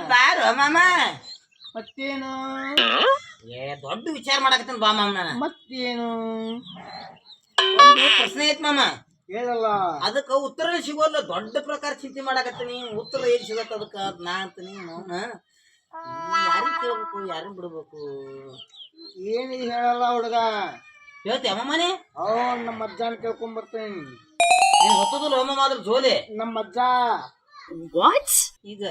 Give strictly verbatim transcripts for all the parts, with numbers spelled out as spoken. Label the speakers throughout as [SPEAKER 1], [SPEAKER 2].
[SPEAKER 1] ಬಾರು ಮಾಮ.
[SPEAKER 2] ಮತ್ತೇನು?
[SPEAKER 1] ಏ ದೊಡ್ಡ ವಿಚಾರ ಮಾಡಕತ್ತೀನಿ ಬಾ ಮಾಮ. ನಾನು
[SPEAKER 2] ಮತ್ತೇನು?
[SPEAKER 1] ಒಂದು ಪ್ರಶ್ನೆ ಐತ್ ಮಾಮ.
[SPEAKER 2] ಹೇಳಲ್ಲ.
[SPEAKER 1] ಅದಕ್ಕ ಉತ್ತರ ಸಿಗೋಲ್ಲ. ದೊಡ್ಡ ಪ್ರಕಾರ ಚಿಂತೆ ಮಾಡಕತ್ತೀನಿ. ಉತ್ತರ ಏನ್ ಸಿಗತ್ತ ಅದಕ್ಕ ನಾ ಅಂತೀನಿ. ಮೌನ ಯಾರಿಗ್ ಕೇಳ್ಬೇಕು ಯಾರಿಗ್ ಬಿಡ್ಬೇಕು?
[SPEAKER 2] ಏನಿದೆ ಹೇಳಲ್ಲ ಹುಡುಗ.
[SPEAKER 1] ಹೇಳ್ತೀಯ ಮಾಮನೆ?
[SPEAKER 2] ಅವ್ನು ನಮ್ಮ ಅಜ್ಜನ ಕೇಳ್ಕೊಂಡ್ ಬರ್ತೇನೆ.
[SPEAKER 1] ನೀನ್ ಹೊತ್ತದಲ್ಲ ಹೋಮ ಆದ್ರ ಜೋಲಿ
[SPEAKER 2] ನಮ್ಮ ಅಜ್ಜ.
[SPEAKER 3] ವಾಟ್?
[SPEAKER 1] ಈಗ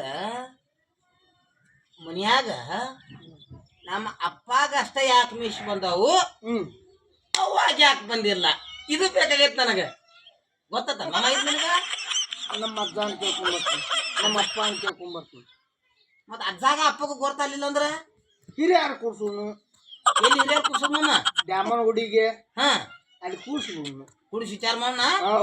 [SPEAKER 1] ಮನ್ಯಾಗ ನಮ್ಮ ಅಪ್ಪಾಗ ಅಷ್ಟ ಯಾಕೆ ಮೀಸ್ ಬಂದವು,
[SPEAKER 2] ಹ್ಮ್
[SPEAKER 1] ಅವಾಗ ಯಾಕೆ ಬಂದಿಲ್ಲ? ಇದು ಬೇಕಾಗೈತ್ ನನಗ. ಗೊತ್ತ ಮಾಮ ಇದು ನನಗ.
[SPEAKER 2] ನಮ್ಮ ಅಜ್ಜ ಅಂತ ಕೇಳ್ಕೊಂಡ್ ಬರ್ತೀನಿ, ನಮ್ಮ ಅಪ್ಪ ಅಂತ ಕೇಳ್ಕೊಂಡ್ ಬರ್ತೀನಿ.
[SPEAKER 1] ಮತ್ತ ಅಜ್ಜಾಗ ಅಪ್ಪಗ ಗೊತ್ತಾಗ್ಲಿಲ್ಲ ಅಂದ್ರ
[SPEAKER 2] ಹಿರಿಯಾರು ಕೂರ್ಸುನು.
[SPEAKER 1] ಎಲ್ಲಿ ಹಿರಿಯರ್ ಕೂರ್ಸೋದ್ ಮಾಮ?
[SPEAKER 2] ದ್ಯಾಮನ ಹುಡಿಗೆ
[SPEAKER 1] ಹಾ
[SPEAKER 2] ಅಲ್ಲಿ ಕೂರ್ಸುನು.
[SPEAKER 1] ಕುಡಿಸಿ ವಿಚಾರ ಮಾಡೋಣ.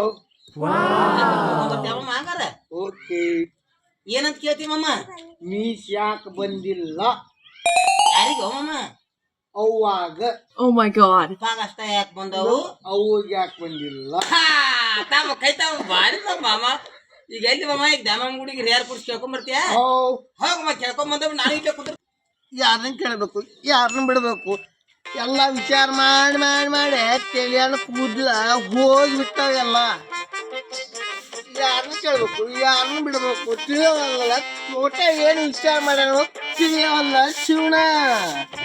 [SPEAKER 1] ಹಂಗಾರ
[SPEAKER 2] ಓಕೆ.
[SPEAKER 1] ಏನಂತ ಕೇಳ್ತಿ ಮಾಮ?
[SPEAKER 2] ಮೀಸ್ ಯಾಕೆ ಬಂದಿಲ್ಲ?
[SPEAKER 1] ಯಾರಿಗ ಮಾಮ?
[SPEAKER 2] ಅವಾಗ.
[SPEAKER 3] Oh my god.
[SPEAKER 1] ಅಪ್ಪಾಗ ಅಷ್ಟ ಯಾಕೆ ಬಂದವು,
[SPEAKER 2] ಅವಾಗ ಯಾಕೆ ಬಂದಿಲ್ಲ?
[SPEAKER 1] ತಾವ ಕೈ ತಾವ ಬಾರಿ ಮಾಮ. ಈಗ ಎಲ್ಲಿ ಮಾಮ? ಈಗ ದ್ಯಾಮ ಗುಡಿಗೆ ಹಿರಿಯರ್ ಕುಡಿಸಿ ಕೇಳ್ಕೊಂಡ್ ಬರ್ತೀಯ? ಹೋಗಮ್ಮ ಕೇಳ್ಕೊಂಡ್ ಬಂದವ್. ನಾನು ಈಗ ಕುಂದ್ರ
[SPEAKER 2] ಯಾರನ್ನ ಕೇಳಬೇಕು, ಯಾರನ್ನ ಬಿಡಬೇಕು? ಎಲ್ಲ ವಿಚಾರ ಮಾಡಿ ಮಾಡಿ ಮಾಡಿ ತಲೆಯನ್ನು ಕೂದಲ ಹೋಗ್ಬಿಟ್ಟಾವೆಲ್ಲ. ಯಾರನ್ನ ಕೇಳಬೇಕು, ಯಾರನ್ನ ಬಿಡಬೇಕು ತಿಳಿಯವಲ್ಲ. ತೋಟ ಏನು ವಿಚಾರ ಮಾಡ್ಯಾನೋ ತಿಳಿಯವಲ್ಲ ಶಿವಣ.